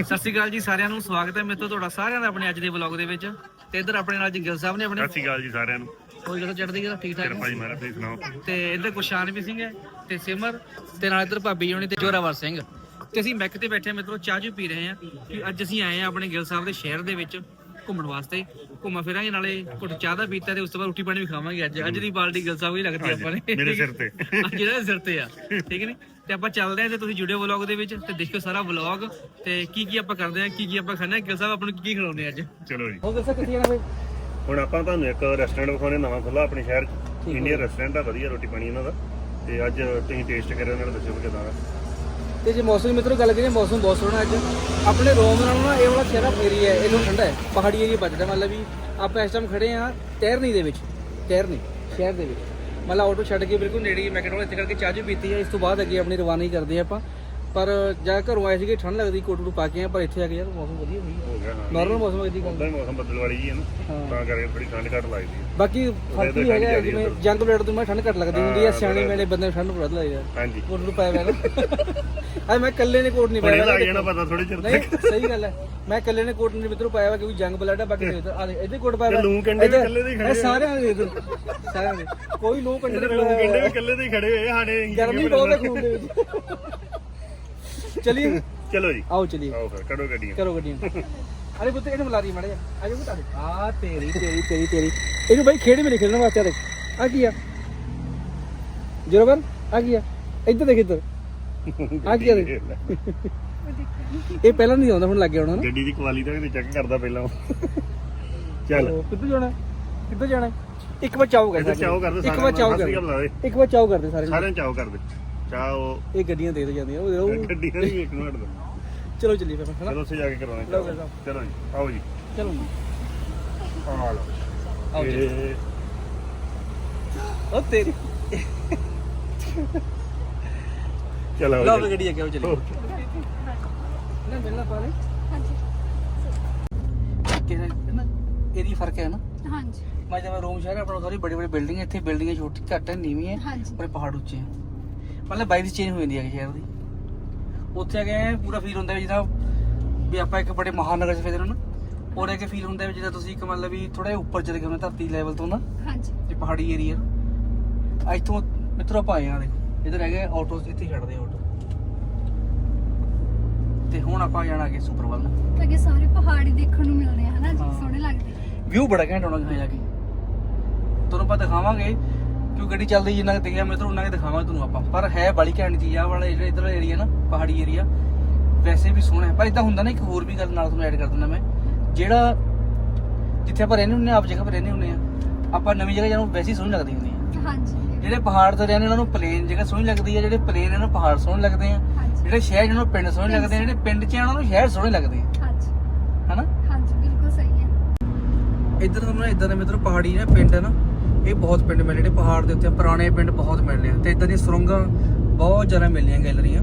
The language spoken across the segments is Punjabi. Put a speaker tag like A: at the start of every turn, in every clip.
A: ਸਤਿ ਸ਼੍ਰੀ ਅਕਾਲ ਜੀ ਸਾਰਿਆਂ ਨੂੰ, ਸਵਾਗਤ ਹੈ ਮੇਰੇ ਤੋਂ ਤੁਹਾਡਾ ਸਾਰਿਆਂ ਦਾ ਆਪਣੇ ਅੱਜ ਦੇ ਵਲੌਗ ਦੇ ਵਿੱਚ। ਤੇ ਇੱਧਰ ਆਪਣੇ ਨਾਲ ਜੀ ਗਿੱਲ ਸਾਹਿਬ ਨੇ ਆਪਣੇ।
B: ਸਤਿ ਸ਼੍ਰੀ ਅਕਾਲ ਜੀ ਸਾਰਿਆਂ ਨੂੰ।
A: ਕੋਈ ਗੱਲ ਚੜ੍ਹਦੀ ਗੱਲ ਠੀਕ ਠਾਕ
B: ਕਿਰਪਾ ਜੀ ਮਹਾਰਾਜ, ਤੁਸੀਂ ਸੁਣਾਓ।
A: ਤੇ ਇੱਧਰ ਗੁਰਸ਼ਾਨਵੀਰ ਸਿੰਘ ਹੈ ਤੇ ਸਿਮਰ ਤੇ ਨਾਲ ਇੱਧਰ ਭਾਬੀ ਹੋਣੀ ਤੇ ਜੋਰਾਵਰ ਸਿੰਘ। ਤੇ ਅਸੀਂ ਮੈਕ ਤੇ ਬੈਠੇ ਮਿੱਤਰੋ ਚਾਹ ਚੂ ਪੀ ਰਹੇ ਹਾਂ ਕਿ ਅੱਜ ਅਸੀਂ ਆਏ ਹਾਂ ਆਪਣੇ ਗਿੱਲ ਸਾਹਿਬ ਦੇ ਸ਼ਹਿਰ ਦੇ ਵਿੱਚ ਘੁੰਮਣ ਵਾਸਤੇ। ਘੁੰਮਾ ਫਿਰਾਂਗੇ, ਨਾਲੇ ਘੁੱਟ ਚਾਹ ਦਾ ਪੀਤਾ ਤੇ ਉਸ ਤੋਂ ਬਾਅਦ ਰੋਟੀ ਪਾਣੀ ਵੀ ਖਾਵਾਂਗੇ। ਅੱਜ ਦੀ ਬਾਲਟੀ ਗਿੱਲ ਸਾਹਿਬ ਹੀ ਲੱਗਦੀ ਆਪਾਂ ਨੇ
B: ਮੇਰੇ ਸਿਰ ਤੇ,
A: ਜਿਹੜਾ ਸਿਰ ਤੇ ਆ, ਠੀਕ ਨੇ। ਤੇ ਆਪਾਂ ਚੱਲਦੇ ਹਾਂ ਤੇ ਤੁਸੀਂ ਜੁੜਿਓ ਵਲੌਗ ਦੇ ਵਿੱਚ ਤੇ ਦੇਖਿਓ ਸਾਰਾ ਵਲੌਗ ਤੇ ਕੀ ਆਪਾਂ ਕਰਦੇ ਹਾਂ, ਕੀ ਆਪਾਂ ਖਾਂਦੇ ਹਾਂ। ਗਿੱਲ ਸਾਹਿਬ ਆਪਾਂ ਨੂੰ ਕੀ ਖਿਲਾਉਂਦੇ ਅੱਜ।
B: ਚਲੋ ਜੀ,
A: ਹੋਰ ਦੱਸੋ ਕਿੱਥੇ ਜਾਣਾ ਬਈ।
B: ਹੁਣ ਆਪਾਂ ਤੁਹਾਨੂੰ ਇੱਕ ਰੈਸਟੋਰੈਂਟ ਵਿਖਾਉਣੇ, ਨਵਾਂ ਖੁੱਲਾ ਆਪਣੇ ਸ਼ਹਿਰ 'ਚ। ਇੰਡੀਅਨ ਰੈਸਟੋਰੈਂਟ ਆ, ਵਧੀਆ ਰੋਟੀ ਪਾਣੀ ਇਹਨਾਂ ਦਾ। ਤੇ ਅੱਜ ਤੁਸੀਂ ਟੇਸਟ ਕਰਿਓ, ਨਾਲ ਦੱਸਿਓ ਕਿਦਾਂ ਦਾ।
A: ਤੇ ਜੇ ਮੌਸਮ ਮਿੱਤਰੋ ਗੱਲ ਕਰੀਏ, ਮੌਸਮ ਬਹੁਤ ਸੋਹਣਾ ਅੱਜ। ਆਪਣੇ ਰੋਮ ਨਾਲੋਂ ਨਾ ਇਹ ਵਾਲਾ ਸ਼ਹਿਰ ਏਰੀਆ ਹੈ, ਇਹਨੂੰ ਠੰਡਾ ਹੈ, ਪਹਾੜੀ ਏਰੀਆ ਬਚਦਾ। ਮਤਲਬ ਵੀ ਆਪਾਂ ਇਸ ਟਾਈਮ ਖੜੇ ਹਾਂ ਟਹਿਰਨੀ ਦੇ ਵਿੱਚ, ਟਹਿਰਨੀ ਸ਼ਹਿਰ ਦੇ ਵਿੱਚ। ਮਤਲਬ ਆਟੋ ਛੱਡ ਕੇ ਬਿਲਕੁਲ ਨੇੜੇ ਹੀ ਮੈਕਡੋਨਲਡ ਇੱਥੇ ਕਰਕੇ ਚਾਹ ਚੂ ਪੀਤੀ ਹੈ। ਇਸ ਤੋਂ ਬਾਅਦ ਅੱਗੇ ਆਪਣੀ ਰਵਾਨਗੀ ਕਰਦੇ ਆਪਾਂ। ਪਰ ਜਾ ਘਰੋਂ ਆਏ ਸੀਗੇ ਠੰਡ ਲੱਗਦੀ, ਕੋਟ ਨੂੰ ਪਾ ਕੇ ਆ, ਪਰ ਇੱਥੇ ਆ ਕੇ ਯਾਰ ਮੌਸਮ ਵਧੀਆ
B: ਹੋ ਗਿਆ। ਹਾਂ,
A: ਨਾਰਮਲ ਮੌਸਮ ਹੈ ਜੀ।
B: ਉਦਾਂ ਹੀ ਮੌਸਮ ਬੱਦਲਵਾੜੀ ਜੀ ਹੈ ਨਾ, ਤਾਂ ਕਰਕੇ ਥੋੜੀ ਠੰਡ ਘੱਟ ਲੱਗਦੀ ਹੈ।
A: ਬਾਕੀ ਫਰਕ ਵੀ ਹੈਗਾ, ਜਿਵੇਂ ਜੰਗ ਬਲੇਡ ਤੋਂ ਮੈਂ ਠੰਡ ਘੱਟ ਲੱਗਦੀ ਹੁੰਦੀ ਹੈ, ਸਿਆਣੇ ਮੇਲੇ ਬੰਦੇ ਨੂੰ ਠੰਡ ਵੱਧ ਲੱਗਦੀ ਹੈ।
B: ਹਾਂਜੀ,
A: ਕੋਟ ਨੂੰ ਪਾਇਆ ਹੋਇਆ ਨਾ ਅੱਜ ਮੈਂ ਇਕੱਲੇ ਨੇ ਕੋਟ ਨਹੀਂ ਪਾਇਆ
B: ਲੱਗ ਜਾਣਾ ਪਤਾ ਥੋੜੀ ਚਿਰ
A: ਨਹੀਂ, ਸਹੀ ਗੱਲ ਹੈ। ਮੈਂ ਇਕੱਲੇ ਨੇ ਕੋਟ ਨਹੀਂ ਮਿੱਤਰੋਂ ਪਾਇਆ ਹੋਇਆ ਕਿਉਂਕਿ ਜੰਗ ਬਲੇਡ ਹੈ। ਬਾਕੀ ਇਹਦੇ ਕੋਟ ਪਾਇਆ
B: ਲੂੰ ਕੰਡੇ ਵੀ ਇਕੱਲੇ ਦੇ ਖੜੇ,
A: ਸਾਰਿਆਂ ਦੇ ਸਾਰਿਆਂ ਦੇ ਕੋਈ ਲੂੰ ਕੰਡੇ
B: ਲੂੰ ਕੰਡੇ ਵੀ ਇਕੱਲੇ ਦੇ ਖੜੇ ਹੋਏ ਸਾਡੇ।
A: ਗਰਮੀ ਬਹੁਤ ਹੈ ਖੂਨ ਦੇ ਵਿੱਚ। ਚਲਿਏ
B: ਚਲੋ ਜੀ,
A: ਆਓ ਚਲਿਏ,
B: ਆਓ ਫਿਰ ਕਰੋ ਗੱਡੀਆਂ,
A: ਕਰੋ ਗੱਡੀਆਂ। ਅਰੇ ਪੁੱਤ ਇਹਨੂੰ ਬੁਲਾ ਰਹੀ ਮਾੜੇ ਆ ਜਾ ਪੁੱਤ ਆ ਤੇਰੀ ਤੇਰੀ ਤੇਰੀ ਤੇਰੀ। ਇਹਨੂੰ ਬਾਈ ਖੇਡ ਮੇਰੇ ਖੇਡਣ ਵਾਸਤੇ ਦੇਖ ਆ ਕੀ ਆ ਜਰਬਰ, ਆ ਕੀ ਆ ਇੱਧਰ ਦੇਖ, ਇੱਧਰ ਆ ਕੀ ਆ ਦੇਖ। ਇਹ ਪਹਿਲਾਂ ਨਹੀਂ ਆਉਂਦਾ, ਹੁਣ ਲੱਗ ਗਿਆ ਹੋਣਾ ਨਾ।
B: ਗੱਡੀ ਦੀ ਕੁਆਲਿਟੀ ਤਾਂ ਚੈੱਕ ਕਰਦਾ ਪਹਿਲਾਂ। ਚੱਲ
A: ਕਿੱਧਰ ਜਾਣਾ, ਕਿੱਧਰ ਜਾਣਾ। ਇੱਕ ਵਾਰ ਚਾਓ ਕਰਦੇ,
B: ਚਾਓ ਕਰਦੇ,
A: ਇੱਕ ਵਾਰ ਚਾਓ ਕਰਦੇ, ਇੱਕ ਵਾਰ ਚਾਓ ਕਰਦੇ ਸਾਰਿਆਂ
B: ਚਾਓ ਕਰਦੇ ਚਾਹ।
A: ਇਹ ਗੱਡੀਆਂ ਦੇ ਜਾਂਦੀਆਂ ਉਹ
B: ਗੱਡੀਆਂ ਵੀ ਇੱਕ ਮਿੰਟ ਦਾ।
A: ਚਲੋ ਚੱਲੀਏ ਫਿਰ ਹਨਾ।
B: ਚਲੋ ਉੱਥੇ ਜਾ ਕੇ ਕਰਵਾਉਣਾ। ਚਲੋ ਜੀ, ਆਓ ਜੀ,
A: ਚਲੋ
B: ਆ ਲਓ
A: ਆਓ ਜੀ।
B: ਇਹ
A: ਉਹ ਤੇਰੀ
B: ਚਲੋ
A: ਲਓ ਵੀ ਗੱਡੀ ਅੱਗੇ ਆਓ ਚੱਲੀਏ। ਨਾ ਮਿਲਣਾ ਪਾਲੇ
C: ਹਾਂਜੀ
A: ਕਿਹੜਾ ਨਾ ਏਰੀਆ ਫਰਕ ਹੈ ਨਾ।
C: ਹਾਂਜੀ
A: ਮੈਂ ਜਿਵੇਂ ਰੋਮ ਸ਼ਹਿਰ ਆਪਣਾ ਸਾਰੀ ਬੜੀ ਬੜੀ ਬਿਲਡਿੰਗ, ਇੱਥੇ ਬਿਲਡਿੰਗਾਂ ਛੋਟੀ ਘੱਟ ਹੈ, ਨੀਵੀਂ ਹੈ,
C: ਹਾਂਜੀ
A: ਪਰ ਪਹਾੜ ਉੱਚੇ ਹੈ। ਮਤਲਬ ਵਾਈਬ ਚੇਂਜ ਹੋ ਜਾਂਦੀ ਹੈ ਸ਼ਹਿਰ ਦੀ। ਉੱਥੇ ਆ ਕੇ ਪੂਰਾ ਫੀਲ ਹੁੰਦਾ ਜਿੱਦਾਂ ਵੀ ਆਪਾਂ ਇੱਕ ਬੜੇ ਮਹਾਨਗਰ 'ਚ ਫਿਰਦੇ ਹਾਂ ਨਾ, ਉਹਦੇ ਕੇ ਫੀਲ ਹੁੰਦਾ ਵੀ ਜਿੱਦਾਂ ਤੁਸੀਂ ਇੱਕ ਮਤਲਬ ਵੀ ਥੋੜਾ ਜਿਹਾ ਉੱਪਰ ਚਲੇ ਗਏ ਹੋ ਧਰਤੀ ਲੈਵਲ ਤੋਂ ਨਾ।
C: ਹਾਂਜੀ
A: ਇਹ ਪਹਾੜੀ ਏਰੀਆ ਇੱਥੋਂ ਮਿੱਤਰੋ ਆਪਾਂ ਆਏ ਆ। ਦੇਖੋ ਇੱਧਰ ਹੈਗੇ ਆਟੋ, ਇੱਥੇ ਛੱਡਦੇ ਆਟੋ। ਤੇ ਹੁਣ ਆਪਾਂ ਜਾਣਾ ਅੱਗੇ ਸੁਪਰ ਵੱਲ ਨੂੰ।
C: ਤਾਂ ਕਿ ਸਾਰੇ ਪਹਾੜੀ ਦੇਖਣ ਨੂੰ ਮਿਲਦੇ ਆ ਹਨਾ ਜੀ,
A: ਹਾਂ।
C: ਸੋਹਣੇ ਲੱਗਦੇ।
A: ਵਿਊ ਬੜਾ ਘੈਂਟ ਆਉਣਾ ਜਾ ਕੇ, ਤੁਹਾਨੂੰ ਆਪਾਂ ਦਿਖਾਵਾਂਗੇ ਕਿਉਂ ਗੱਡੀ ਚੱਲਦੀ ਜਿੰਨਾ ਕਿ ਦਿਖਿਆ ਮਿੱਤਰੋ ਉਹਨਾਂ ਕੇ ਦਿਖਾਵਾਂਗੇ ਤੁਹਾਨੂੰ ਆਪਾਂ। ਪਰ ਹੈ ਬੜੀ ਘੈਂਟ ਚੀਜ਼ ਆ ਵਾਲਾ ਜਿਹੜਾ ਇੱਧਰ ਏਰੀਆ ਨਾ, ਪਹਾੜੀ ਏਰੀਆ ਵੈਸੇ ਵੀ ਸੋਹਣਾ ਹੈ। ਪਰ ਇਦਾਂ ਹੁੰਦਾ ਨਾ, ਇੱਕ ਹੋਰ ਵੀ ਗੱਲ ਨਾਲ ਤੁਹਾਨੂੰ ਐਡ ਕਰ ਦਿੰਦਾ ਮੈਂ। ਜਿਹੜਾ ਜਿੱਥੇ ਆਪਾਂ ਰਹਿੰਦੇ ਹੁੰਦੇ ਆ, ਆਪ ਜਗ੍ਹਾ 'ਤੇ ਰਹਿੰਦੇ ਹੁੰਦੇ ਆ, ਆਪਾਂ ਨਵੀਂ ਜਗ੍ਹਾ ਜਾਨੂੰ ਵੈਸੇ ਹੀ ਸੋਹਣੀ ਲੱਗਦੀ ਹੁੰਦੀ ਹੈ।
C: ਹਾਂਜੀ
A: ਜਿਹੜੇ ਪਹਾੜ ਤੇ ਰਹਿੰਦੇ ਉਹਨਾਂ ਨੂੰ ਪਲੇਨ ਜਗ੍ਹਾ ਸੋਹਣੀ ਲੱਗਦੀ ਹੈ, ਜਿਹੜੇ ਪਲੇਨ ਇਹਨਾਂ ਨੂੰ ਪਹਾੜ ਸੋਹਣੇ ਲੱਗਦੇ ਆ,
C: ਹਾਂਜੀ
A: ਜਿਹੜੇ ਸ਼ਹਿਰ ਜਿਹਨਾਂ ਨੂੰ ਪਿੰਡ ਸੋਹਣੇ ਲੱਗਦੇ ਆ, ਜਿਹੜੇ ਪਿੰਡ 'ਚ ਉਹਨਾਂ ਨੂੰ ਸ਼ਹਿਰ ਸੋਹਣੇ ਲੱਗਦੇ ਆ,
C: ਹਾਂਜੀ
A: ਹਨਾ।
C: ਹਾਂਜੀ ਬਿਲਕੁਲ ਸਹੀ ਹੈ।
A: ਇੱਧਰ ਤੁਹਾਨੂੰ ਇਦਾਂ ਦੇ ਮਿੱਤਰੋ ਪਹਾੜੀ ਨਾ ਪਿੰਡ ਹੈ ਨਾ, ਇਹ ਬਹੁਤ ਪਿੰਡ ਮਿਲਦੇ ਜਿਹੜੇ ਪਹਾੜ ਦੇ ਉੱਤੇ, ਪੁਰਾਣੇ ਪਿੰਡ ਬਹੁਤ ਮਿਲਦੇ ਆ। ਤੇ ਇਦਾਂ ਦੀਆਂ ਸੁਰੰਗਾਂ ਬਹੁਤ ਜ਼ਿਆਦਾ ਮਿਲਦੀਆਂ, ਗੈਲਰੀਆਂ।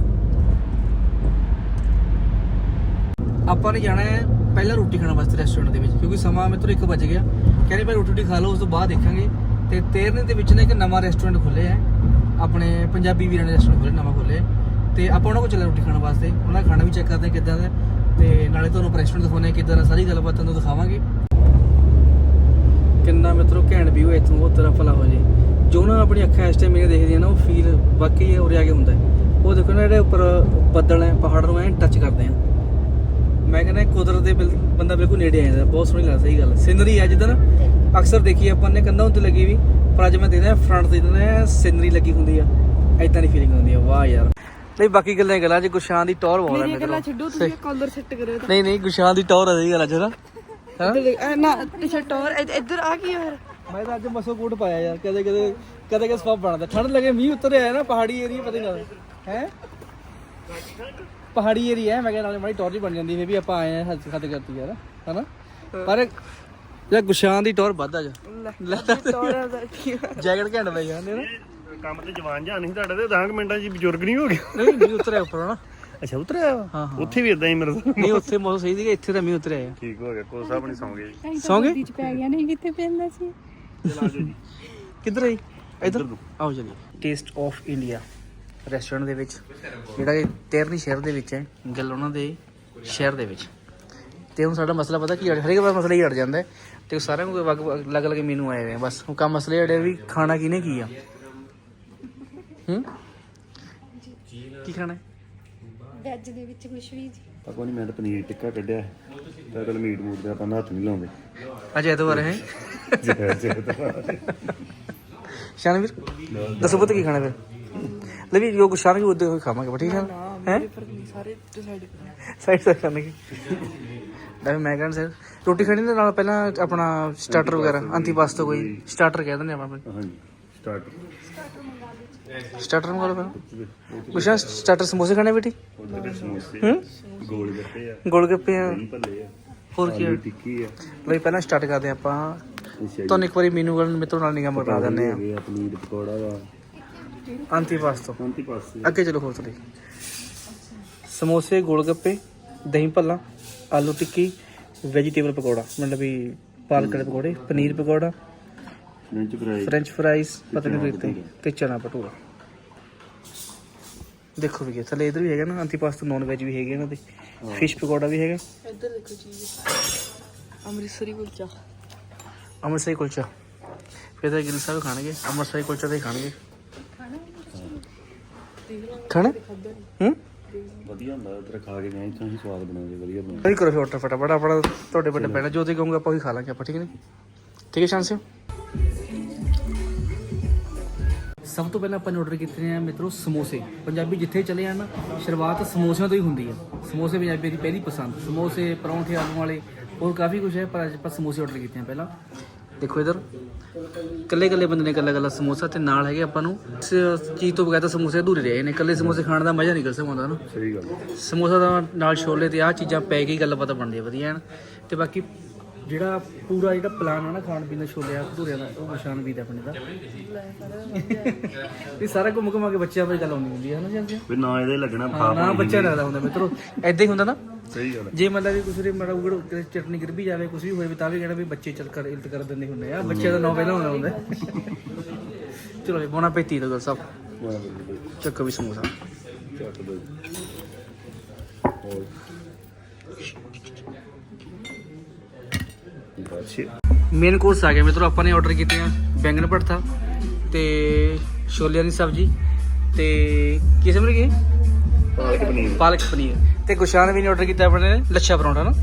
A: ਆਪਾਂ ਨੇ ਜਾਣਾ ਹੈ ਪਹਿਲਾਂ ਰੋਟੀ ਖਾਣ ਵਾਸਤੇ ਰੈਸਟੋਰੈਂਟ ਦੇ ਵਿੱਚ, ਕਿਉਂਕਿ ਸਮਾਂ ਮਿੱਤਰੋ 1 ਵਜ ਗਿਆ। ਕਹਿੰਦੇ ਭਾਈ ਰੋਟੀ ਖਾ ਲਓ, ਉਸ ਤੋਂ ਬਾਅਦ ਦੇਖਾਂਗੇ। ਤੇ ਤੇਰਨੇ ਦੇ ਵਿੱਚ ਨਾ ਇੱਕ ਨਵਾਂ ਰੈਸਟੋਰੈਂਟ ਖੁੱਲਿਆ ਹੈ, ਆਪਣੇ ਪੰਜਾਬੀ ਵੀਰਾਂ ਨੇ ਰੈਸਟੋਰੈਂਟ ਖੋਲ੍ਹਿਆ, ਨਵਾਂ ਖੋਲ੍ਹਿਆ। ਤੇ ਆਪਾਂ ਉਹਨਾਂ ਕੋਲ ਚੱਲੇ ਰੋਟੀ ਖਾਣ ਵਾਸਤੇ, ਉਹਨਾਂ ਦਾ ਖਾਣਾ ਵੀ ਚੈੱਕ ਕਰਦੇ ਕਿੱਦਾਂ ਦਾ, ਤੇ ਨਾਲੇ ਤੁਹਾਨੂੰ ਰੈਸਟੋਰੈਂਟ ਦਿਖਾਉਂਦੇ ਕਿੱਦਾਂ ਦਾ, ਸਾਰੀ ਗੱਲਬਾਤ ਤੁਹਾਨੂੰ ਦਿਖਾਵਾਂਗੇ। ਕਿੰਨਾ ਮਿੱਤਰੋ ਘੈਂਟ ਵਿਊ ਹੈ ਇੱਥੋਂ, ਉਹ ਤਰ੍ਹਾਂ ਭਲਾ ਹੋ ਜੇ ਜੋ ਨਾ ਆਪਣੀ ਅੱਖਾਂ ਇਸ ਟਾਈਮ ਮੇਰੀਆਂ ਦੇਖਦੀਆਂ ਨਾ, ਉਹ ਫੀਲ ਵਾਕਈ ਉਰੇ ਆ ਕੇ ਹੁੰਦਾ। ਉਹ ਦੇਖੋ ਨਾ ਜਿਹੜੇ ਉੱਪਰ ਬੱਦਲ ਹੈ, ਪਹਾੜ ਨੂੰ ਐਂ ਟੱਚ ਕਰਦੇ ਆ। ਮੈਂ ਕਹਿੰਦਾ ਕੁਦਰਤ ਦੇ ਬੰਦਾ ਬਿਲਕੁਲ ਨੇੜੇ ਆ ਜਾਂਦਾ, ਬਹੁਤ ਸੋਹਣੀ ਲੱਗਦਾ। ਸਹੀ ਗੱਲ, ਸੀਨਰੀ ਹੈ ਜਿੱਦਾਂ ਨਾ ਅਕਸਰ ਦੇਖੀ ਆਪਾਂ ਨੇ ਕੰਧਾਂ ਉੱਤੇ ਲੱਗੀ ਵੀ, ਪਰ ਅੱਜ ਮੈਂ ਦੇਖਦਾ ਫਰੰਟ ਤੇ ਜਿੱਦਾਂ ਸੀਨਰੀ ਲੱਗੀ ਹੁੰਦੀ ਆ, ਐਦਾਂ ਦੀ ਫੀਲਿੰਗ ਹੁੰਦੀ ਆ। ਵਾਹ ਯਾਰ। ਨਹੀਂ ਬਾਕੀ ਗੱਲਾਂ ਚ ਗੁਸ਼ਾਨ ਦੀ ਟੌਰ ਬਹੁਤ ਹੈ। ਮੇਰੀਆਂ ਗੱਲਾਂ ਛੱਡੋ, ਤੁਸੀਂ
C: ਕਾਲਰ ਸੈੱਟ ਕਰਿਓ
A: ਨਹੀਂ ਨਹੀਂ ਗੁਸ਼ਾਨ ਦੀ ਟੌਰ ਹੈ, ਸਹੀ ਗੱਲ ਅੱਜ ਨਾ
C: ਨਾ ਟੀ-ਸ਼ਰਟ ਔਰ ਇੱਧਰ ਆ ਕੀ ਯਾਰ।
A: ਮੈਂ ਤਾਂ ਅੱਜ ਮਸੋ ਕੋਟ ਪਾਇਆ ਯਾਰ, ਕਦੇ ਕਦੇ ਸਵਾਬ ਬਣਦਾ। ਠੰਡ ਲੱਗੇ, ਮੀਂਹ ਉੱਤਰ ਆਇਆ ਨਾ, ਪਹਾੜੀ ਏਰੀਆ ਪਤਾ ਨਹੀਂ ਲੱਗਦਾ ਹੈ, ਪਹਾੜੀ ਏਰੀਆ ਹੈ। ਮੈਂ ਕਹਿੰਦਾ ਨਾਲੇ ਮਾੜੀ ਟੌਰ ਹੀ ਬਣ ਜਾਂਦੀ ਹੈ ਵੀ ਆਪਾਂ ਆਏ ਆ, ਹੱਥ ਖੱਤ ਕਰਤੀ ਯਾਰ, ਹਨਾ। ਪਰ ਯਾਰ ਗੁਸ਼ਾਨ ਦੀ ਟੌਰ ਵੱਧ ਆ ਜਾ, ਜੈਕਟ ਘੈਂਟ ਪਈ ਜਾਂਦੇ ਨਾ।
B: ਕੰਮ ਤੇ ਜਵਾਨ ਜਾਨ ਨਹੀਂ ਤੁਹਾਡੇ ਤੇ 10 ਮਿੰਟਾਂ 'ਚ ਬਜ਼ੁਰਗ ਨਹੀਂ ਹੋ ਗਿਆ।
A: ਨਹੀਂ ਮੀਂਹ ਉਤਰਿਆ ਉੱਪਰ ਨਾ।
B: ਅੱਛਾ ਉਤਰਿਆ
A: ਹਾਂ
B: ਉੱਥੇ ਵੀ ਇਦਾਂ ਹੀ ਮੇਰੇ
A: ਨਹੀਂ, ਉੱਥੇ ਮੌਸਮ ਸਹੀ ਸੀਗਾ, ਇੱਥੇ ਤਾਂ ਮੀਂਹ ਉਤਰਿਆ।
B: ਠੀਕ ਹੋ ਗਿਆ, ਕੋਲ ਸਾਹਿਬ ਨਹੀਂ ਸੌਂ ਗਏ ਜੀ।
A: ਸੌਂ ਗਏ
C: ਵਿੱਚ ਪੈ ਗਿਆ, ਨਹੀਂ ਕਿੱਥੇ ਪੈਂਦਾ ਸੀ।
B: ਚਲ ਆ ਜਾਓ ਜੀ।
A: ਕਿੱਧਰ ਆਈ? ਇੱਧਰ ਆਓ ਚਲੀਏ। ਟੇਸਟ ਆਫ ਇੰਡੀਆ ਰੈਸਟੋਰੈਂਟ ਦੇ ਵਿੱਚ, ਜਿਹੜਾ ਕਿ ਤੇਰਨੀ ਸ਼ਹਿਰ ਦੇ ਵਿੱਚ ਹੈ। ਗੱਲ ਉਹਨਾਂ ਦੇ ਸ਼ਹਿਰ ਦੇ ਵਿੱਚ। ਤੇ ਹੁਣ ਸਾਡਾ ਮਸਲਾ ਪਤਾ ਕੀ ਹਰੇਕ ਵਾਰ ਮਸਲਾ ਹੀ ਅੜ ਜਾਂਦਾ ਹੈ ਤੇ ਸਾਰਿਆਂ ਨੂੰ ਅਲੱਗ-ਅਲੱਗ ਮੀਨੂ ਆਏ ਹੋਏ ਆ। ਬਸ ਹੁਣ ਕੰਮ ਮਸਲੇ ਅੜੇ ਵੀ ਖਾਣਾ ਕਿਹਨੇ ਕੀ ਆ। ਕੀ ਖਾਣਾ ਹੈ?
D: ਵੈਜ ਦੇ ਵਿੱਚ ਕੁਛ ਵੀ ਜੀ।
B: ਪਤਾ ਨਹੀਂ, ਮੈਂ ਤਾਂ ਪਨੀਰ ਟਿੱਕਾ ਕੱਢਿਆ ਤਾਂ ਕੱਲ ਮੀਟ ਮੂਟ ਦੇ ਆਪਾਂ ਹੱਥ ਨਹੀਂ ਲਾਉਂਦੇ।
A: ਅੱਜ ਐਤਵਾਰ ਹੈ। ਸ਼ਾਨਵੀਰ ਦੱਸੋ ਪੁੱਤ ਕੀ ਖਾਣਾ ਫਿਰ? ਲੈ ਵੀ ਜੋ ਸ਼ਾਨ ਵੀ ਉਹਦੇ ਹੋਏ ਖਾਵਾਂਗੇ। ਠੀਕ ਹੈ ਹੈ
C: ਸਾਰੇ ਡਿਸਾਈਡ
A: ਸਾਈਡ ਕਰਨਗੇ। ਮੈਂ ਕਹਿੰਦਾ ਸਰ ਰੋਟੀ ਖਾਣੀ ਦੇ ਨਾਲ ਪਹਿਲਾਂ ਆਪਣਾ ਸਟਾਰਟਰ ਵਗੈਰਾ ਅੰਤੀਪਾਸਤਾ ਕੋਈ ਸਟਾਰਟਰ ਕਹਿ ਦਿੰਦੇ ਆਪਾਂ।
B: ਹਾਂਜੀ ਸਟਾਰਟ
A: ਸਟਾਰਟਰ ਮੰਗਾ ਲਓ ਪਹਿਲਾਂ। ਕੁਛ ਸਟਾਰਟਰ ਸਮੋਸੇ ਖਾਣੇ ਬੇਟੀ?
B: ਸਮੋਸੇ ਗੋਲ ਗੱਪੇ ਆ,
A: ਗੋਲ ਗੱਪੇ ਆ,
B: ਦਹੀਂ ਭੱਲੇ ਆ,
A: ਹੋਰ ਕੀ
B: ਆਲੂ ਟਿੱਕੀ ਆ।
A: ਲਈ ਪਹਿਲਾਂ ਸਟਾਰਟ ਕਰਦੇ ਆਪਾਂ। ਤੁਹਾਨੂੰ ਇੱਕ ਵਾਰੀ ਮੀਨੂ ਗੱਲ ਮੇਰੇ ਤੋਂ ਨਾਲ ਨਿਗਾਹ ਮਰਾ ਦਿੰਦੇ ਆ।
B: ਪਨੀਰ ਪਕੌੜਾ ਵਾ,
A: ਅੰਤੀਪਾਸਤਾ
B: ਅੰਤੀਪਾਸਤੇ
A: ਅੱਗੇ ਚਲੋ ਹੋਰ ਥੋੜੀ। ਸਮੋਸੇ, ਗੋਲ ਗੱਪੇ, ਦਹੀਂ ਭੱਲਾ, ਆਲੂ ਟਿੱਕੀ, ਵੈਜੀਟੇਬਲ ਪਕੌੜਾ ਮਤਲਬ ਵੀ ਪਾਲਕ ਦੇ ਪਕੌੜੇ, ਪਨੀਰ ਪਕੌੜਾ, ਫ੍ਰੈਂਚ ਫਰਾਈਜ਼ ਪਤਾ ਨਹੀਂ ਕਿਤੇ ਤੇ ਚਨਾ ਭਟੂਰਾ। ਦੇਖੋ ਵੀ ਥੱਲੇ ਇਧਰ ਵੀ ਹੈਗਾ ਨਾ ਅੰਤੀਪਾਸਤਾ ਨੌਨ ਵੈਜ ਵੀ ਹੈਗੇ ਇਹਨਾਂ ਦੇ। ਫਿਸ਼ ਪਕੌੜਾ ਵੀ ਹੈਗਾ।
C: ਇੱਧਰ ਦੇਖੋ ਚੀਜ਼ ਅੰਮ੍ਰਿਤਸਰੀ ਕੁਲਚਾ।
A: ਅੰਮ੍ਰਿਤਸਰੀ ਕੁਲਚਾ ਫਿਰ ਤਾਂ ਗਿੱਲ ਸਾਹਿਬ ਖਾਣਗੇ। ਅੰਮ੍ਰਿਤਸਰੀ ਕੁਲਚਾ ਤਾਂ ਹੀ ਖਾਣਗੇ। ਖਾਣਾ
B: ਵਧੀਆ ਹੁੰਦਾ ਉਧਰ ਖਾ ਕੇ ਗਏ ਇੱਥੋਂ ਹੀ ਸਵਾਦ ਬਣਾਉਂਦੇ ਵਧੀਆ ਬਣਾਉਂਦੇ।
A: ਕੋਈ ਕਰੋ ਫਿਰ ਆਰਡਰ ਫਟਾਫਟ ਆਪਣਾ ਤੁਹਾਡੇ ਵੱਡੇ ਪੈਣਾ ਜੋ ਤੁਸੀਂ ਕਹੋਗੇ ਆਪਾਂ ਉਹੀ ਖਾ ਲਾਂਗੇ ਆਪਾਂ। ਠੀਕ ਹੈ ਠੀਕ ਹੈ ਸ਼ਾਨ ਸਿੰਘ। ਸਭ ਤੋਂ ਪਹਿਲਾਂ ਆਪਾਂ ਨੇ ਆਰਡਰ ਕੀਤੇ ਨੇ ਮਿੱਤਰੋ ਸਮੋਸੇ। ਪੰਜਾਬੀ ਜਿੱਥੇ ਚਲੇ ਆ ਨਾ ਸ਼ੁਰੂਆਤ ਸਮੋਸਿਆਂ ਤੋਂ ਹੀ ਹੁੰਦੀ ਆ। ਸਮੋਸੇ ਪੰਜਾਬੀ ਦੀ ਪਹਿਲੀ ਪਸੰਦ। ਸਮੋਸੇ, ਪਰੌਂਠੇ ਆਲੂ ਵਾਲੇ, ਹੋਰ ਕਾਫੀ ਕੁਝ ਹੈ ਪਰ ਅੱਜ ਆਪਾਂ ਸਮੋਸੇ ਆਰਡਰ ਕੀਤੇ ਆ ਪਹਿਲਾਂ। ਦੇਖੋ ਇਧਰ ਇਕੱਲੇ ਬੰਦੇ ਨੇ ਇਕੱਲਾ ਸਮੋਸਾ ਤੇ ਨਾਲ ਹੈਗੇ ਆਪਾਂ ਨੂੰ ਇਸ ਚੀਜ਼ ਤੋਂ ਬਗੈਰ ਤਾਂ ਸਮੋਸੇ ਅਧੂਰੇ ਰਹੇ ਨੇ। ਇਕੱਲੇ ਸਮੋਸੇ ਖਾਣ ਦਾ ਮਜ਼ਾ ਨਿਕਲ ਸਕਦਾ ਨਾ।
B: ਸਹੀ ਗੱਲ।
A: ਸਮੋਸਾ ਦਾ ਨਾਲ ਛੋਲੇ ਤੇ ਆਹ ਚੀਜ਼ਾਂ ਪੈ ਗਈ ਗੱਲ ਪਤਾ ਬਣਦੀ ਹੈ ਵਧੀਆ ਐਨ। ਤੇ ਬਾਕੀ ਜਿਹੜਾ ਪੂਰਾ ਜਿਹੜਾ ਪਲਾਨ ਆ ਨਾ ਖਾਣ ਪੀਣ ਦਾ ਛੋਲਿਆਂ ਭਟੂਰਿਆਂ ਦਾ ਉਹ ਨਿਸ਼ਾਨ ਵੀ ਦਾ ਆਪਣੇ ਦਾ ਇਹ ਸਾਰਾ ਘੁੰਮ ਘੁਮਾ ਕੇ ਬੱਚਿਆਂ ਬਾਰੇ ਗੱਲ ਆਉਂਦੀ ਹੁੰਦੀ ਹੈ ਨਾ ਜੀ।
B: ਵੀ ਨਾ ਇਹਦੇ ਲੱਗਣਾ
A: ਨਾ ਬੱਚਾ ਲੱਗਦਾ ਹੁੰਦਾ ਮਿੱਤਰੋ ਐਦਾਂ ਹੀ ਹੁੰਦਾ ਨਾ।
B: ਸਹੀ ਗੱਲ।
A: ਜੇ ਮਤਲਬ ਵੀ ਕੁਛ ਮਾੜਾ ਉਗੜ ਚਟਨੀ ਗਿਰ ਵੀ ਜਾਵੇ ਕੁਛ ਵੀ ਹੋਵੇ ਤਾਂ ਵੀ ਕਹਿਣਾ ਵੀ ਬੱਚੇ ਚੱਲ ਕਰ ਇਲਤ ਕਰ ਦਿੰਦੇ ਹੁੰਦੇ ਆ। ਬੱਚਿਆਂ ਦਾ ਨਾਂ ਪਹਿਲਾਂ ਹੋਣਾ ਹੁੰਦਾ। ਚਲੋ ਜੀ ਬੋਨਾ ਪੈਤੀ ਦਾ ਗੱਲ ਸਭ ਚੱਕੋ ਵੀ ਸਮੋਸਾ
B: ਚੱਕ ਦੋ।
A: ਮੇਨ ਕੋਰਸ ਆ ਗਿਆ ਮਿੱਤਰੋ। ਆਪਾਂ ਨੇ ਆਰਡਰ ਕੀਤੇ ਆ ਬੈਂਗਣ ਭਰਥਾ ਤੇ ਛੋਲਿਆਂ ਦੀ ਸਬਜ਼ੀ ਤੇ ਕੀ ਸਮਝ ਗਏ ਪਾਲਕ ਪਨੀਰ ਤੇ ਗੁਸ਼ਾਨ ਵੀ ਨੇ ਆਰਡਰ ਕੀਤਾ ਆਪਣੇ ਨੇ ਲੱਛਾ ਪਰੌਂਠਾ ਨਾ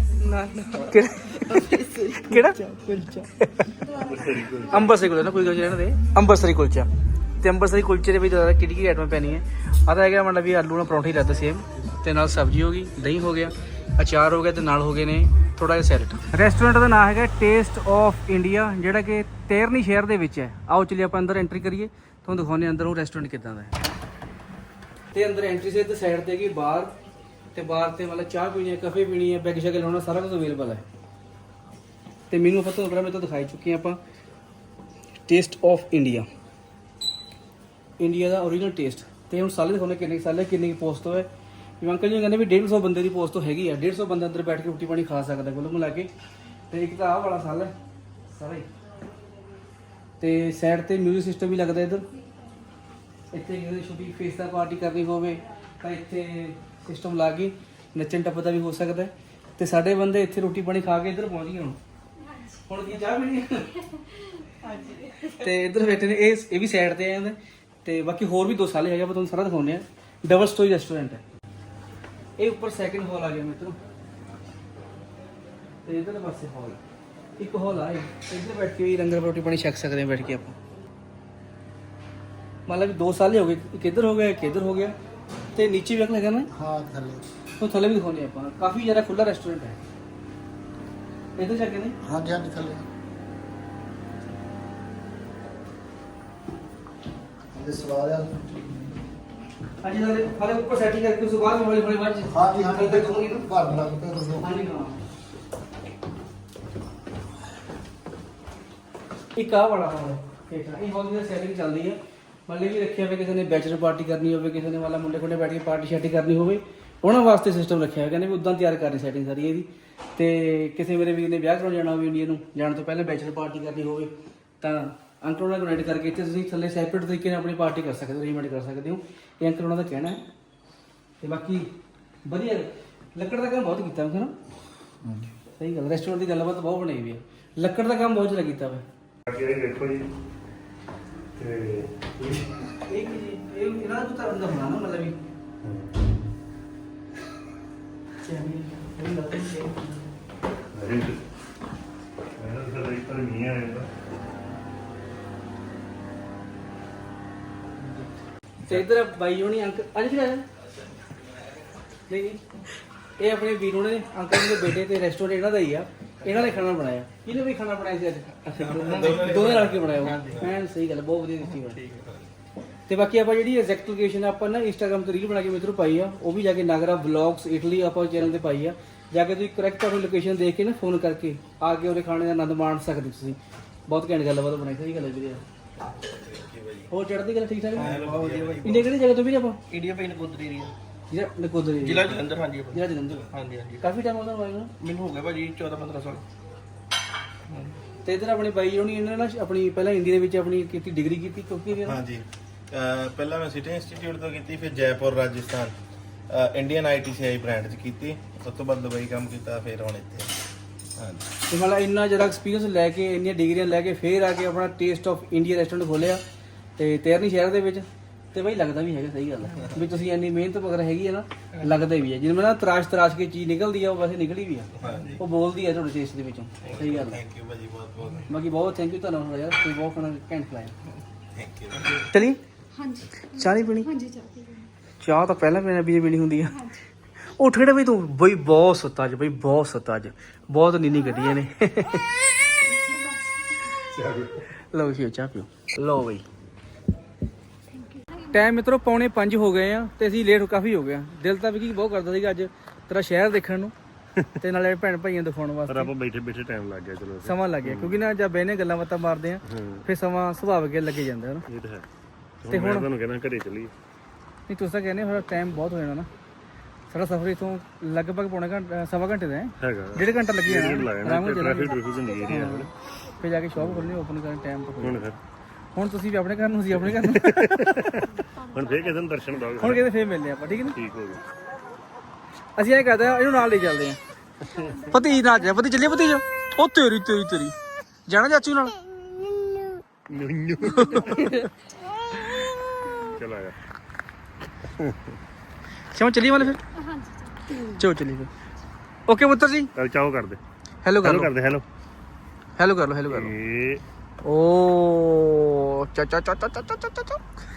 A: ਕਿਹੜਾ ਕੁਲਚਾ ਅੰਬਰਸਰੀ ਕੁਲਚਾ ਨਾ ਕੋਈ ਗੱਲ ਇਹਨਾਂ ਦੇ ਅੰਬਰਸਰੀ ਕੁਲਚਾ ਤੇ ਅੰਬਰਸਰੀ ਕੁਲਚੇ ਦੇ ਵਿੱਚ ਜ਼ਿਆਦਾ ਕਿਹੜੀ ਆਈਟਮਾਂ ਪੈਣੀਆਂ ਆ ਤਾਂ ਹੈਗਾ ਮਤਲਬ ਵੀ ਆਲੂ ਨਾਲ ਪਰੌਂਠਾ ਹੀ ਲੱਗਦਾ ਸੇਮ ਤੇ ਨਾਲ ਸਬਜ਼ੀ ਹੋ ਗਈ ਦਹੀਂ ਹੋ ਗਿਆ ਅਚਾਰ ਹੋ ਗਿਆ ਤੇ ਨਾਲ ਹੋ ਗਏ ਨੇ ਥੋੜਾ ਜਿਹਾ ਸੈਲਡ। ਰੈਸਟੋਰੈਂਟ ਦਾ ਨਾਮ ਹੈਗਾ ਟੇਸਟ ਆਫ ਇੰਡੀਆ ਜਿਹੜਾ ਕਿ ਤੇਰਨੀ ਸ਼ਹਿਰ ਦੇ ਵਿੱਚ ਹੈ। ਆਓ ਚਲਿਏ ਆਪਾਂ ਅੰਦਰ ਐਂਟਰੀ ਕਰੀਏ ਤੁਹਾਨੂੰ ਦਿਖਾਉਂਦੇ ਅੰਦਰ ਉਹ ਰੈਸਟੋਰੈਂਟ ਕਿੱਦਾਂ ਦਾ ਹੈ। ਤੇ ਅੰਦਰ ਐਂਟਰੀ ਸੇ ਤੇ ਸਾਈਡ ਤੇ ਹੈਗੀ ਬਾਰ ਤੇ ਬਾਰ ਤੇ ਮਤਲਬ ਚਾਹ ਪੀਣੀ ਹੈ ਕਾਫੀ ਪੀਣੀ ਹੈ ਬੈਗ ਸ਼ੈਗ ਲਾਉਣਾ ਸਾਰਾ ਕੁਝ ਅਵੇਲੇਬਲ ਹੈ। ਤੇ ਮੈਨੂੰ ਆਪਾਂ ਤੁਹਾਨੂੰ ਪਹਿਲਾਂ ਦਿਖਾਈ ਚੁੱਕੇ ਆਪਾਂ ਟੇਸਟ ਆਫ ਇੰਡੀਆ ਦਾ ਓਰੀਜਨਲ ਟੇਸਟ। ਤੇ ਹੁਣ ਸਾਲੇ ਦਿਖਾਉਂਦੇ ਕਿੰਨੇ ਸਾਲੇ ਕਿੰਨੀ ਪੋਸਟ ਹੈ। ਅੰਕਲ ਜੀ ਕਹਿੰਦੇ ਵੀ 150 ਬੰਦੇ ਦੀ ਪੋਸਟ ਹੈਗੀ ਆ। 150 ਬੰਦਾ ਅੰਦਰ ਬੈਠ ਕੇ ਰੋਟੀ ਪਾਣੀ ਖਾ ਸਕਦਾ ਕੁੱਲ ਮਿਲਾ ਕੇ। ਤੇ ਇੱਕ ਤਾਂ ਆਹ ਵਾਲਾ ਸਾਲ ਹੈ ਸਾਰਾ ਹੀ ਤੇ ਸਾਈਡ ਤੇ ਮਿਊਜ਼ਿਕ ਸਿਸਟਮ ਵੀ ਲੱਗਦਾ ਇੱਧਰ। ਇੱਥੇ ਕਿਸੇ ਦੀ ਛੋਟੀ ਫੇਸ ਦਾ ਪਾਰਟੀ ਕਰਨੀ ਹੋਵੇ ਤਾਂ ਇੱਥੇ ਸਿਸਟਮ ਲਾ ਕੇ ਨੱਚਣ ਟੱਪਦਾ ਵੀ ਹੋ ਸਕਦਾ। ਤੇ ਸਾਡੇ ਬੰਦੇ ਇੱਥੇ ਰੋਟੀ ਪਾਣੀ ਖਾ ਕੇ ਇੱਧਰ ਪਹੁੰਚ ਗਏ ਹੁਣ ਕੀ ਚਾਹ ਪੀਣੀ ਤੇ ਇੱਧਰ ਬੈਠੇ ਨੇ ਇਹ ਵੀ ਸਾਈਡ ਤੇ ਆ ਜਾਂਦੇ। ਤੇ ਬਾਕੀ ਹੋਰ ਵੀ 2 ਸਾਲੇ ਹੈਗੇ ਆਪਾਂ ਤੁਹਾਨੂੰ ਸਾਰਾ ਦਿਖਾਉਂਦੇ ਆ। ਡਬਲ ਸਟੋਰੀ ਰੈਸਟੋਰੈਂਟ ਹੈ ਇਹ। ਉੱਪਰ ਸੈਕਿੰਡ ਹਾਲ ਆ ਗਿਆ ਮਿੱਤਰੋ ਤੇ ਇੱਧਰ ਪਾਸੇ ਹਾਲ ਇੱਕ ਹਾਲ ਆ ਇੱਧਰ ਬੈਠ ਕੇ ਵੀ ਲੰਗਰ ਰੋਟੀ ਪਾਣੀ ਛਕ ਸਕਦੇ ਹਾਂ ਬੈਠ ਕੇ ਆਪਾਂ। ਮਤਲਬ 2 ਸਾਲ ਹੀ ਹੋ ਗਏ ਇੱਕ ਇੱਧਰ ਹੋ ਗਿਆ ਇੱਕ ਇੱਧਰ ਹੋ ਗਿਆ ਤੇ ਨੀਚੇ ਵੀ ਹੈਗਾ ਨਾ। ਹਾਂ ਥੱਲੇ ਉਹ ਥੱਲੇ ਵੀ ਦਿਖਾਉਂਦੇ ਆਪਾਂ ਕਾਫੀ ਜ਼ਿਆਦਾ ਖੁੱਲਾ ਰੈਸਟੋਰੈਂਟ ਹੈ ਇੱਧਰ ਜਾ ਕੇ ਨੇ। ਹਾਂਜੀ ਹਾਂਜੀ ਥੱਲੇ ਇਹ ਸਵਾਦ ਆ ਹਾਂਜੀ ਨਾਲੇ ਫਾਲੇ ਉੱਪਰ ਸੈਟਿੰਗ ਕਰਕੇ ਉਸ ਬਾਅਦ ਹੌਲੀ ਹੌਲੀ ਬਾਅਦ ਹਾਂਜੀ ਹਾਂਜੀ ਇੱਧਰ ਦੋਗੇ ਨਾ ਘਰ ਲੱਗ ਪਿਆ ਦੱਸੋ। ਹਾਂਜੀ ਹਾਂ ਇੱਕ ਆ ਬੜਾ ਹਾਲ ਹੈ ਇਹ ਹਾਲ ਦੀ ਸੈਟਿੰਗ ਚੱਲਦੀ ਹੈ। ਮਤਲਬ ਵੀ ਰੱਖਿਆ ਹੋਇਆ ਕਿਸੇ ਨੇ ਬੈਚਲਰ ਪਾਰਟੀ ਕਰਨੀ ਹੋਵੇ ਕਿਸੇ ਨੇ ਵਾਲਾ ਮੁੰਡੇ ਕੋਲੇ ਬੈਠ ਕੇ ਪਾਰਟੀ ਸ਼ਾਰਟੀ ਕਰਨੀ ਹੋਵੇ ਉਹਨਾਂ ਵਾਸਤੇ ਸਿਸਟਮ ਰੱਖਿਆ ਹੋਇਆ। ਕਹਿੰਦੇ ਵੀ ਉਦਾਂ ਤਿਆਰ ਕਰਨੀ ਸੈਟਿੰਗ ਸਾਰੀ ਇਹਦੀ। ਤੇ ਕਿਸੇ ਮੇਰੇ ਵੀਰ ਨੇ ਵਿਆਹ ਕਰਾਉਣ ਜਾਣਾ ਹੋਵੇ ਇੰਡੀਆ ਨੂੰ ਜਾਣ ਤੋਂ ਪਹਿਲਾਂ ਬੈਚਲਰ ਪਾਰਟੀ ਕਰਨੀ ਹੋਵੇ ਤਾਂ ਅੰਕਲ ਉਹਨਾਂ ਨਾਲ ਕਨੈਕਟ ਕਰਕੇ ਇੱਥੇ ਤੁਸੀਂ ਥੱਲੇ ਸੈਪਰੇਟ ਤਰੀਕੇ ਨਾਲ ਆਪਣੀ ਪਾਰਟੀ ਕਰ ਸਕਦੇ ਹੋ ਅਰੇਂਜਮੈਂਟ ਕਰ ਸਕਦੇ ਹੋ। ਇਹ ਅੰਕਲ ਉਹਨਾਂ ਦਾ ਕਹਿਣਾ ਹੈ। ਤੇ ਬਾਕੀ ਵਧੀਆ ਲੱਕੜ ਦਾ ਕੰਮ ਬਹੁਤ ਕੀਤਾ ਮੈਂ ਨਾ। ਸਹੀ ਗੱਲ, ਰੈਸਟੋਰੈਂਟ ਦੀ ਗੱਲਬਾਤ ਬਹੁਤ ਬਣਾਈ ਵੀ ਹੈ। ਲੱਕੜ ਦਾ ਕੰਮ ਬਹੁਤ ਜ਼ਿਆਦਾ ਕੀਤਾ ਵਾ।
B: ਅੱਗੇ ਇਹ ਦੇਖੋ ਜੀ ਤੇ
A: ਇਹ ਕੀ ਜੀ? ਇਹ ਇਹਨਾਂ ਦਾ ਕੁੱਤਾ ਬੰਦਾ ਹੋਣਾ ਨਾ, ਮਤਲਬ ਵੀ
B: ਇਹਨਾਂ ਦਾ ਇੱਕ ਨਹੀਂ ਆ ਜਾਂਦਾ।
A: ਤੇ ਇਧਰ ਬਾਈ ਹੋਣੀ ਅੰਕਲ ਅੱਜ ਵੀ ਆਇਆ ਨਹੀਂ ਨਹੀਂ, ਇਹ ਆਪਣੇ ਵੀਰ ਹੋਣੇ ਨੇ, ਅੰਕਲ ਦੇ ਬੇਟੇ ਤੇ ਰੈਸਟੋਰੈਂਟ ਇਹਨਾਂ ਦਾ ਹੀ ਆ। ਇਹਨਾਂ ਨੇ ਖਾਣਾ ਬਣਾਇਆ। ਕਿਹਨੇ ਵੀ ਖਾਣਾ ਬਣਾਇਆ ਸੀ ਅੱਜ? ਦੋਵੇਂ ਰਲ ਕੇ ਬਣਾਇਆ। ਐਨ ਸਹੀ ਗੱਲ, ਬਹੁਤ ਵਧੀਆ ਦਿੱਤੀ ਬਣੀ। ਤੇ ਬਾਕੀ ਆਪਾਂ ਜਿਹੜੀ ਐਗਜ਼ੈਕਟ ਲੋਕੇਸ਼ਨ ਆਪਾਂ ਨਾ ਇੰਸਟਾਗ੍ਰਾਮ ਤੇ ਰੀਲ ਬਣਾ ਕੇ ਮਿੱਤਰੋ ਪਾਈ ਆ, ਉਹ ਵੀ ਜਾ ਕੇ ਨਾਗਰਾ ਵਲੌਗਸ ਇਟਲੀ ਆਪਾਂ ਚੈਨਲ ਤੇ ਪਾਈ ਆ। ਜਾ ਕੇ ਤੁਸੀਂ ਕਰੈਕਟ ਆਪਣੀ ਲੋਕੇਸ਼ਨ ਦੇਖ ਕੇ ਨਾ ਫੋਨ ਕਰਕੇ ਆ ਕੇ ਉਹਦੇ ਖਾਣੇ ਦਾ ਆਨੰਦ ਮਾਣ ਸਕਦੇ ਤੁਸੀਂ। ਬਹੁਤ ਘੈਂਟ ਗੱਲਬਾਤ ਬਣਾਈ, ਸਹੀ ਗੱਲ ਹੈ ਵੀਰੇ। ਹੋਰ ਚੜ੍ਹਦੀ ਗੱਲ ਠੀਕ ਠਾਕ? ਇੰਡੀਆ ਕਿਹੜੀ ਜਗ੍ਹਾ ਤੋਂ ਵੀਰੇ ਆਪਾਂ?
E: ਇੰਡੀਆ ਪਈ ਨਕੋਦਰ ਏਰੀਆ,
A: ਜਿਹੜਾ ਨਕੋਦਰ area?
E: ਜ਼ਿਲ੍ਹਾ ਜਲੰਧਰ। ਹਾਂਜੀ ਭਾਜੀ।
A: ਜਿਹੜਾ ਜਲੰਧਰ।
E: ਹਾਂਜੀ ਹਾਂਜੀ
A: ਕਾਫੀ ਟਾਈਮ ਉਹਦਾ ਹੋਇਆ ਨਾ।
E: ਮੈਨੂੰ ਹੋ ਗਿਆ ਭਾਜੀ 14-15 ਸਾਲ।
A: ਤੇ ਇਧਰ ਆਪਣੇ ਬਾਈ ਹੋਣੀ ਇਹਨਾਂ ਨੇ ਨਾ ਆਪਣੀ ਪਹਿਲਾਂ ਹਿੰਦੀ ਦੇ ਵਿੱਚ ਆਪਣੀ ਕੀਤੀ ਡਿਗਰੀ ਕੀਤੀ ਕਿਉਂਕਿ
F: ਹਾਂਜੀ ਪਹਿਲਾਂ ਮੈਂ ਸਿਟੀ ਇੰਸਟੀਚਿਊਟ ਤੋਂ ਕੀਤੀ, ਫਿਰ Jaipur Rajasthan Indian ITCI brand 'ਚ ਕੀਤੀ, ਉਸ ਤੋਂ ਬਾਅਦ ਦੁਬਈ ਕੰਮ ਕੀਤਾ, ਫਿਰ ਹੁਣ ਇੱਥੇ। ਹਾਂਜੀ
A: ਤੇ ਮਤਲਬ ਇੰਨਾ ਜ਼ਿਆਦਾ ਐਕਸਪੀਰੀਅੰਸ ਲੈ ਕੇ ਇੰਨੀਆਂ ਡਿਗਰੀਆਂ ਲੈ ਕੇ ਫੇਰ ਆ ਕੇ ਆਪਣਾ ਟੇਸਟ ਆਫ ਇੰਡੀਆ ਰੈਸਟੋਰੈਂਟ ਖੋਲਿਆ ਤੇ ਤੇਰਨੀ ਸ਼ਹਿਰ ਦੇ ਵਿੱਚ। ਤੇ ਬਾਈ ਲੱਗਦਾ ਵੀ ਹੈਗਾ, ਸਹੀ ਗੱਲ ਹੈ ਵੀ ਤੁਸੀਂ ਇੰਨੀ ਮਿਹਨਤ ਵਗੈਰਾ ਹੈਗੀ ਹੈ ਨਾ, ਲੱਗਦਾ ਵੀ ਹੈ। ਜਿਵੇਂ ਨਾ ਤਰਾਸ਼ ਕੇ ਚੀਜ਼ ਨਿਕਲਦੀ ਆ, ਉਹ ਵੈਸੇ ਨਿਕਲੀ ਵੀ ਆ, ਉਹ ਬੋਲਦੀ ਆ ਤੁਹਾਡੇ ਟੇਸਟ ਦੇ ਵਿੱਚੋਂ। ਸਹੀ ਗੱਲ ਹੈ।
F: ਥੈਂਕ ਯੂ ਭਾਜੀ, ਬਹੁਤ ਬਹੁਤ
A: ਬਾਕੀ ਬਹੁਤ ਥੈਂਕ ਯੂ ਤੁਹਾਨੂੰ ਯਾਰ, ਤੁਸੀਂ ਬਹੁਤ ਖਾਣਾ ਘੈਂਟ ਖਿਲਾਇਆ।
F: Thank you.
A: ਚਲੀ
D: ਹਾਂਜੀ
A: ਚਾਹ ਨਹੀਂ ਪੀਣੀ?
D: ਹਾਂਜੀ ਚਾਹ ਪੀ
A: ਚਾਹ ਤਾਂ ਪਹਿਲਾਂ ਪੀਣੀ ਹੁੰਦੀ ਆ। ਉੱਠ ਖੜੇ ਬਈ ਤੂੰ? ਬਈ ਬਹੁਤ ਸੁੱਤਾ ਅੱਜ, ਬਈ ਬਹੁਤ ਸੁੱਤਾ ਅੱਜ, ਬਹੁਤ ਨੀਂਦੀ ਕੱਢੀਆਂ ਨੇ। ਲਓ ਜੀ ਚਾਹ ਪੀਓ। ਲਓ ਬਈ ਟਾਈਮ ਮਿੱਤਰੋ 4:45 ਹੋ ਗਏ ਆ ਤੇ ਅਸੀਂ ਲੇਟ ਕਾਫੀ ਹੋ ਗਏ ਆ। ਦਿਲ ਤਾਂ ਵੀ ਕੀ ਬਹੁਤ ਕਰਦਾ ਸੀਗਾ ਅੱਜ ਤੇਰਾ ਸ਼ਹਿਰ ਦੇਖਣ ਨੂੰ ਤੇ ਨਾਲੇ ਭੈਣ ਭਾਈਆਂ ਦਿਖਾਉਣ
B: ਪਰ
A: ਵਾਸਤੇ।
B: ਆਪਾਂ ਬੈਠੇ ਬੈਠੇ ਟਾਈਮ ਲੱਗ ਗਿਆ। ਚਲੋ
A: ਸਮਾਂ ਲੱਗ ਗਿਆ ਕਿਉਂਕਿ ਨਾ ਜਦ ਬਹਿਨੇ ਗੱਲਾਂ ਬਾਤਾਂ ਮਾਰਦੇ ਆ ਫਿਰ ਸਮਾਂ ਸੁਭਾਵਿਕ ਲੱਗੇ ਜਾਂਦਾ ਹੈ ਨਾ।
B: ਇਹ ਤਾਂ ਹੈ।
A: ਤੇ ਹੁਣ
B: ਤੁਹਾਨੂੰ ਕਹਿੰਦਾ ਘਰੇ ਚੱਲੀਏ।
A: ਨਹੀਂ ਤੁਸੀਂ ਤਾਂ ਕਹਿੰਦੇ ਹੋ ਟਾਈਮ ਬਹੁਤ ਹੋ ਜਾਣਾ ਨਾ। ਸਾਡਾ ਸਫ਼ਰ ਇਥੋਂ ਲਗਭਗ ਪੌਣਾ ਘੰਟਾ ਸਵਾ ਘੰਟੇ ਦਾ ਹੈ,
B: ਹੈਗਾ
A: 1.5 ਘੰਟਾ ਲੱਗੀ ਜਾਣਾ ਆਰਾਮ ਨਾਲ ਚੱਲਾਂਗੇ।
B: ਟ੍ਰੈਫਿਕ ਹੁੰਦੀ ਏਰੀਆ
A: ਫਿਰ ਜਾ ਕੇ ਸ਼ਾਪ ਖੋਲਣੀ, ਓਪਨ ਕਰਨ ਟਾਈਮ ਤੋਂ
B: ਹੁਣ ਫਿਰ
A: ਹੁਣ ਤੁਸੀਂ ਵੀ ਆਪਣੇ ਘਰ ਨੂੰ, ਅਸੀਂ ਆਪਣੇ ਘਰ ਨੂੰ।
B: ਹੁਣ ਫੇਰ ਕਿਸੇ ਨੂੰ ਦਰਸ਼ਨ ਦੋਗੇ।
A: ਹੁਣ ਕਿਤੇ ਫੇਰ ਮਿਲਦੇ ਆਪਾਂ, ਠੀਕ ਹੈ ਨਾ?
B: ਠੀਕ ਹੋ ਗਿਆ।
A: ਅਸੀਂ ਐਂ ਕਰਦੇ ਆ, ਇਹਨੂੰ ਨਾਲ ਲੈ ਚੱਲਦੇ ਆ। ਭਤੀਜ ਨਾਲ ਜਾ, ਭਤੀਜ ਚੱਲੀਏ ਭਤੀਜ। ਉਹ ਤੇਰੀ ਤੇਰੀ ਤੇਰੀ ਜਾਣਾ ਚਾਚੂ ਨਾਲ।
B: ਚਲ ਆਇਆ।
A: ਸ਼ਾਮ ਚੱਲੀਏ ਵਾਲੇ ਫਿਰ।
D: ਹਾਂਜੀ
A: ਚਲੋ ਚੱਲੀਏ ਫਿਰ। ਓਕੇ ਪੁੱਤਰ ਜੀ,
B: ਚੱਲ ਚਾਓ ਕਰਦੇ।
A: ਹੈਲੋ ਕਰ
B: ਹੈਲੋ
A: ਲਓ,
B: ਕਰਦੇ। ਹੈਲੋ
A: ਹੈਲੋ ਕਰ ਲਓ, ਹੈਲੋ ਕਰ ਲਓ।
B: ਇਹ
A: ਓ ਚਾ ਚਾ ਚਾ ਚਾ ਚਾ ਚਾ ਚਾ।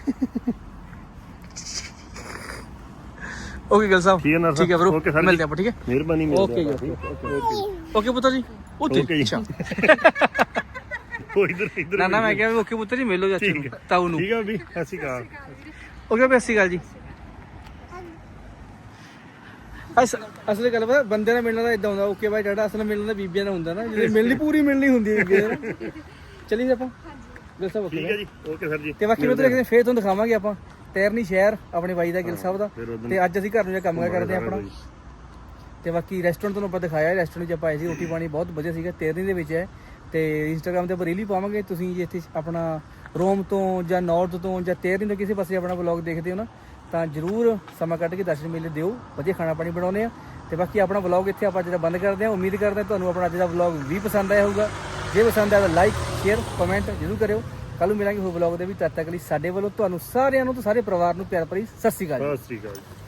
A: ਓਕੇ ਗੱਲ ਸਾਹਿਬ,
B: ਠੀਕ ਹੈ ਨਾ
A: ਠੀਕ ਹੈ ਬ్రో,
B: ਓਕੇ ਸਰ,
A: ਮਿਲਦੇ ਆਪਾਂ, ਠੀਕ ਹੈ?
B: ਮਿਹਰਬਾਨੀ।
A: ਓਕੇ ਜੀ, ਓਕੇ ਪੁੱਤਰ ਜੀ।
B: ਓਕੇ ਜੀ।
A: ਅੱਛਾ
B: ਉਹ ਇਧਰ ਇਧਰ
A: ਨਾ ਮੈਂ ਕਿਹਾ ਓਕੇ ਪੁੱਤਰ ਜੀ, ਮਿਲੋ ਚਾਚੂ ਨੂੰ, ਤਾਊ ਨੂੰ।
B: ਠੀਕ ਹੈ ਵੀ। ਸਤਿ ਸ਼੍ਰੀ ਅਕਾਲ।
A: ਓਕੇ ਬਈ, ਸਤਿ ਸ਼੍ਰੀ ਅਕਾਲ ਜੀ। ਅਸਲ ਗੱਲ ਪਤਾ ਬੰਦੇ ਨਾਲ ਮਿਲਣਾ ਤਾਂ ਇਦਾਂ ਹੁੰਦਾ। ਓਕੇ ਬਾਈ ਜਿਹੜਾ ਅਸਲ ਮਿਲਣਾ ਤਾਂ ਬੀਬੀਆਂ ਨਾਲ ਹੁੰਦਾ ਨਾ, ਜਿਹੜੀ ਮਿਲਣੀ ਪੂਰੀ ਮਿਲਣੀ ਹੁੰਦੀ ਹੈ ਬੀਬੀਆਂ ਨਾਲ। ਚੱਲੀਏ ਆਪਾਂ ਗਿਲ ਸਾਹਿਬ।
B: ਠੀਕ ਹੈ ਜੀ, ਓਕੇ ਸਰ ਜੀ।
A: ਤੇ ਬਾਕੀ ਮੈਂ ਤੁਹਾਨੂੰ ਫੇਰ ਤੁਹਾਨੂੰ ਦਿਖਾਵਾਂਗੇ ਆਪਾਂ ਤੇਰਨੀ ਸ਼ਹਿਰ ਆਪਣੇ ਬਾਈ ਦਾ, ਗਿਲ ਸਾਹਿਬ ਦਾ। ਤੇ ਅੱਜ ਅਸੀਂ ਘਰ ਨੂੰ ਜਾ ਕੰਮ ਕਰਦੇ ਆ ਆਪਣਾ। ਤੇ ਬਾਕੀ ਰੈਸਟੋਰੈਂਟ ਤੁਹਾਨੂੰ ਆਪਾਂ ਦਿਖਾਇਆ, ਰੈਸਟੋਰੈਂਟ 'ਚ ਆਪਾਂ ਆਏ ਸੀ, ਰੋਟੀ ਪਾਣੀ ਬਹੁਤ ਵਧੀਆ ਸੀਗਾ, ਤੇਰਨੀ ਦੇ ਵਿੱਚ ਹੈ। ਤੇ ਇੰਸਟਾਗ੍ਰਾਮ ਤੇ ਆਪਾਂ ਰੀਲ ਵੀ ਪਾਵਾਂਗੇ। ਤੁਸੀਂ ਜੇ ਇੱਥੇ ਆਪਣਾ ਰੋਮ ਤੋਂ ਜਾਂ ਨਾਰਥ ਤੋਂ ਜਾਂ ਤੇਰਨੀ ਤੋਂ ਕਿਸੇ ਪਾਸੇ ਆਪਣਾ ਵਲੌਗ ਦੇਖਦੇ ਹੋ ਨਾ, ਤਾਂ ਜ਼ਰੂਰ ਸਮਾਂ ਕੱਢ ਕੇ ਦਰਸ਼ਨ ਮੇਲੇ ਦਿਓ। ਵਧੀਆ ਖਾਣਾ ਪਾਣੀ ਬਣਾਉਂਦੇ ਆ। ਤੇ ਬਾਕੀ ਆਪਣਾ ਵਲੌਗ ਇੱਥੇ ਆਪਾਂ ਜਿਹੜਾ ਬੰਦ ਕਰਦੇ ਹਾਂ। ਉਮੀਦ ਕਰਦੇ ਹਾਂ ਤੁਹਾਨੂੰ ਆਪਣਾ ਅੱਜ ਦਾ ਵਲੌਗ ਵੀ ਪਸੰਦ ਆਇਆ ਹੋਊਗਾ। ਜੇ ਪਸੰਦ ਆਇਆ ਤਾਂ ਲਾਈਕ ਸ਼ੇਅਰ ਕਮੈਂਟ ਜ਼ਰੂਰ ਕਰਿਓ। ਕੱਲ ਨੂੰ ਮਿਲਾਂਗੇ ਹੋਰ ਵਲੌਗ ਦੇ ਵੀ। ਤਦ ਤੱਕ ਲਈ ਸਾਡੇ ਵੱਲੋਂ ਤੁਹਾਨੂੰ ਸਾਰਿਆਂ ਨੂੰ ਤੇ ਸਾਰੇ ਪਰਿਵਾਰ ਨੂੰ ਪਿਆਰ ਭਰੀ ਸਤਿ ਸ਼੍ਰੀ ਅਕਾਲ।
B: ਸਤਿ ਸ਼੍ਰੀ ਅਕਾਲ।